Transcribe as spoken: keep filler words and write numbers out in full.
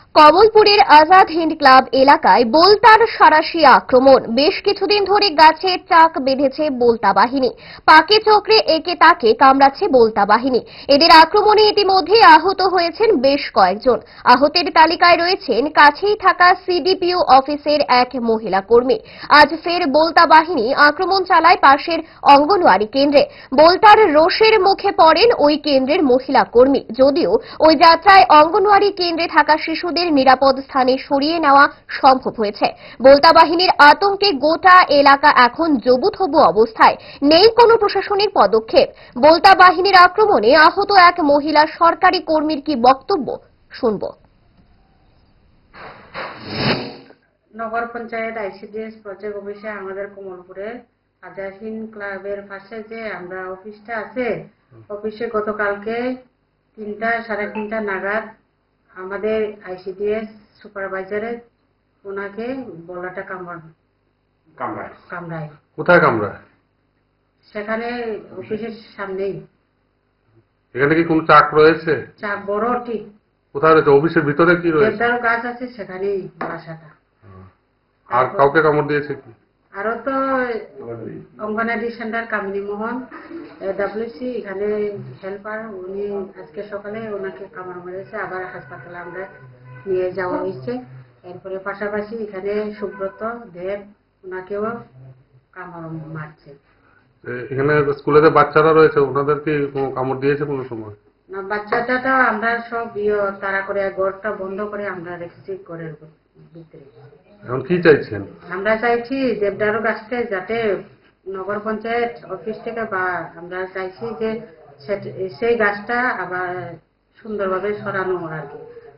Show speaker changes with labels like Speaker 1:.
Speaker 1: কমলপুরের Azad Hind club এলাকায় বোলতার সাঁড়াশি আক্রমণ। বেশ কিছুদিন ধরে গাছে চাক বেঁধেছে বোলতা বাহিনী। পাকে চক্রে একে তাকে কামড়াচ্ছে বোলতা বাহিনী। এদের আক্রমণে ইতিমধ্যে আহত হয়েছেন বেশ কয়েকজন। আহতের তালিকায় রয়েছেন কাছেই থাকা সিডিপিও অফিসের এক মহিলা কর্মী। আজ ফের বোলতা বাহিনী আক্রমণ চালায় পাশের অঙ্গনওয়াড়ি কেন্দ্রে। বোলতার রোষের মুখে পড়েন ওই কেন্দ্রের মহিলা কর্মী। যদিও ওই যাত্রায় অঙ্গনওয়াড়ি কেন্দ্রে থাকা শিশুদের নিরাপদ স্থানে সরিয়ে নেওয়া সম্ভব হয়েছে। বোলতা বাহিনীর আতঙ্কে গোটা এলাকা এখন জবুথবু অবস্থায়, নেই কোনো প্রশাসনিক পদক্ষেপ। বোলতা বাহিনীর আক্রমণে আহত এক মহিলা সরকারি কর্মীর কি বক্তব্য শুনব।
Speaker 2: নগর পঞ্চায়েত আইসিডিএস প্রজেক্ট অফিসে আমাদের কমলপুরের আজাদ হিন্দ ক্লাবের পাশে যে আমরা অফিসটা আছে, অফিসে গতকালকে তিনটা সাড়ে তিনটা নাগাদ আমাদের আইসিডিএস সুপারভাইজারের ওনাকে বলাটা কামড় কামড়ায় কামড়ায়
Speaker 3: কোথায় কামড়ায়?
Speaker 2: সেখানে অফিসের সামনেই।
Speaker 3: এখানে কি কোনো চাক রয়েছে?
Speaker 2: চাক বড় ঠিক
Speaker 3: কোথায় রয়েছে? অফিসের ভিতরে কি রয়েছে?
Speaker 2: দেবদারু গাছ আছে সেখানেই বাসাটা।
Speaker 3: আর কাউকে কামড় দিয়েছে কি?
Speaker 2: আরো তো অঙ্গনাদি সেন্টার কামিনী মোহন ডাব্লিউসি এখানে হেল্পার, উনি আজকে সকালে ওনাকে কামড় মেরেছে, আবার হাসপাতালে আমরা নিয়ে যাওয়া হয়েছে। এরপরে পাশাপাশি এখানে সুব্রত দেব, ওনাকেও কামড় মারছে।
Speaker 3: এখানে স্কুলে যে বাচ্চারা রয়েছে ওনাদের কি কোনো কামড় দিয়েছে কোনো সময়?
Speaker 2: না, বাচ্চাটা আমরা সব তারা করে ঘরটা বন্ধ করে আমরা রেখেছি ঘরের ভিতরে।
Speaker 3: এখন কি চাইছেন?
Speaker 2: আমরা চাইছি দেবদারু গাছটা যাতে নগর পঞ্চায়েত অফিস থেকে, বা আমরা চাইছি যে সেই গাছটা আবার সুন্দরভাবে সরানো আর কি।